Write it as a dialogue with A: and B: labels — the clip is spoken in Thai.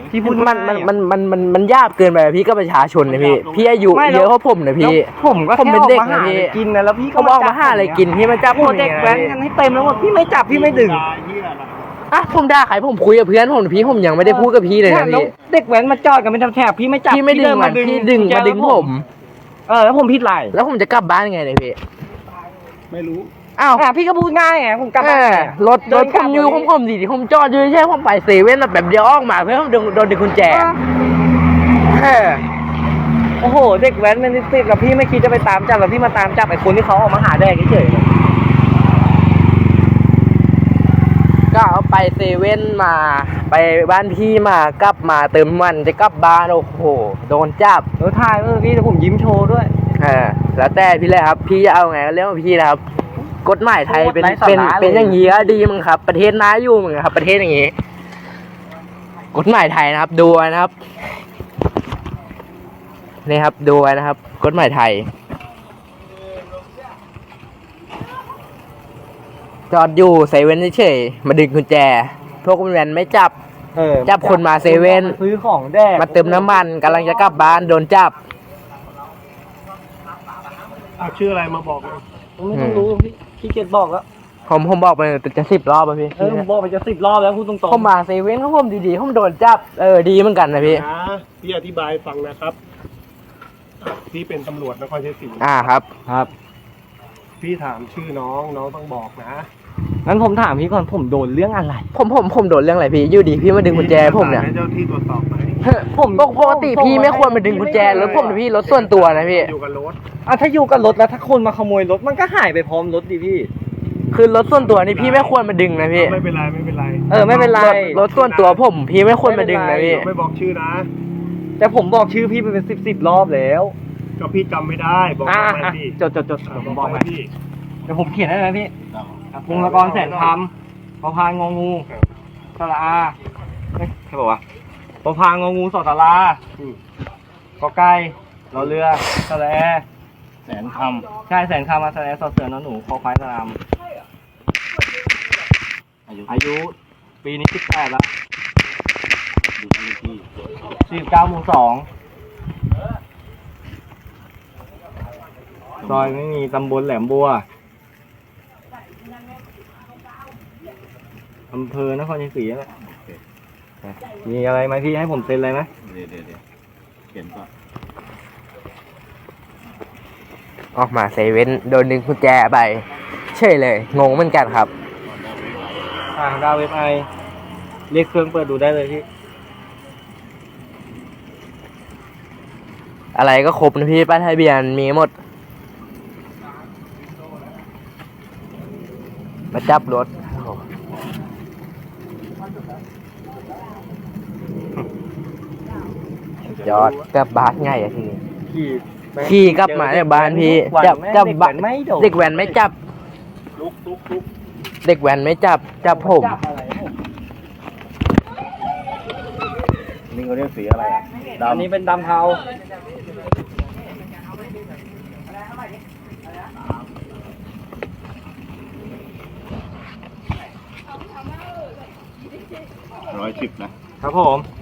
A: พี่พูด
B: มันยากเกินไปพี่ก็ประชาชนนะพี่อายุเยอะกว่าผมนะพี่
A: ผมก็
B: เป็นเด็กนะพี่
A: กินนะแล้วพี่ก็
B: ออกมาหาอะไรกินพี่มาจับ
A: เด็กแว้นกันให้เต็มแล้วหมดพี่ไม่จับพี่ไม่ดึง
B: อ่ะผมด่าใครผมคุยกับเพื่อนผมพี่ผมยังไม่ได้พูดกับพี่เลยนะพี่
A: เด็กแว้นมาจอดกันเป็นแถบพี่ไม่จับ
B: พี่ไม่ดึงมันพี่ดึงมาดึงผม
A: แล้วผมผิดไร
B: แล้วผมจะกลับบ้านไงเนี่ยพี่
A: ไม่รู้
B: อ้าว
A: พี่ก็พูดง่ายไงผมกลับบ้าน
B: รถผมอยู่ผมดีผมจอดอยู่ใช่ผมไปเซเว่นแบบเดียวออกมาเพื่อโดนดึงกุญแจ
A: โอ้โหเด็กแว้นมันติดกับพี่ไม่คิดจะไปตามจับแล้วพี่มาตามจับไอ้คนที่เขาออกมาหาแดกเฉย
B: ก็เอาไปเซเว่นมาไปบ้านพี่มากลับมาเติมมันจะกลับบ้านโอ้โหโดนจับ
A: แล้วถ่ายพี่แต่ผมยิ้มโชว์ด้วย
B: แล้วแต่พี่เลยครับพี่จะเอาไงก็เรื่องของพี่นะครับกฎหมายไทยเป็นอย่างนี้ก็ดีมั้งครับประเทศน่าอยู่มั้งครับประเทศอย่างนี้กฎหมายไทยนะครับดูนะครับนี่ครับดูนะครับกฎหมายไทยจอดอยู่เซเว่นเฉยๆมาดึงกุญแจพวกคุณแวนไม่จับคนมาเซเว่น
A: ซื้อของแดก
B: มาเติมน้ำมันกำลังจะกลับบ้านโดนจับ
A: ชื่ออะไรมาบอกไม่ต้องรู้พี่เกดบอกแล้ว
B: ผมบอกไปจะ10 รอบพี่
A: ผมบอกไปจะ10 รอบแล้วพูดตรงๆ
B: ผมมาเซเว่นเขาผมดีๆผมโดนจับดีเหมือนกันนะ
C: พี่อธิบายฟังนะครับพี่เป็นตำรวจนครชัยศรี
B: ครับ
C: พี่ถามชื่อน้องต้องบอกนะ
A: งั้นผมถามพี่ก่อนผมโดนเรื่องอะไร
B: ผมโดนเรื่องอะไรพี่อยู่ดีพี่มาดึงกุญแจผมเนี่ย
C: ให้เจ้าที่ตรวจสอบไหม
B: ผมปกติพี่ไม่ควรมาดึงกุญแจรถผมนะพี่รถส่วนตัวนะพี่
C: อยู่กับรถ
A: ถ้าอยู่กับรถแล้วถ้าคนมาขโมยรถมันก็หายไปพร้อมรถดิพี่
B: คือรถส่วนตัวนี่พี่ไม่ควรมาดึงนะพี่
C: ไม่เป็นไรไม่เป็นไร
A: ไม่เป็นไร
B: รถส่วนตัวผมพี่ไม่ควรมาดึงนะพี่
C: ไม่บอกชื่อนะ
A: แต่ผมบอกชื่อพี่ไปเป็น10 รอบแล้ว
C: ก็พี่จำไม่ได้บอกมาพี่
A: จดผมบอกมาพี่เดี๋ยวผมเขียนให้เลยพี่พงศกรแสนคำพอพานงองูสระอาใช่ป่าวะพอพานงองูสตรากอไก่รอเรือสระแอ
C: แสนค
A: ำใช่แสนคำมาสระแอสอเสือนอหนูคอควายสนามอายุปีนี้18แล้ว
C: อยู่ที่
A: 49 หมู่ 2ซอยไม่มีตำบลแหลมบัวอำเภอนครชัยศรีแหละมีอะไรไหมพี่ให้ผมเซ็นอะไรไหม
C: เดี๋ยวเขียนก่อน
B: ออกมาเซเว่นโดนดึงกุญแจไปเฉยเลยงงเหมือนกันครับ
A: ดาวเว็บไอเรียกเครื่องเปิดดูได้เลยพี่
B: อะไรก็ครบนะพี่ป้ายทะเบียนมีหมดมาจับรถยอดกลับบ้านง่ายอะทีนี้ขี่กลับมาจากบ้านพี่จับเด็กแว้นไม่จับเด็กแว้นไม่จับผม
C: นี่เขาเรียกสีอะไร
A: อันนี้เป็นดำเทา
C: 110นะครับ
A: ผม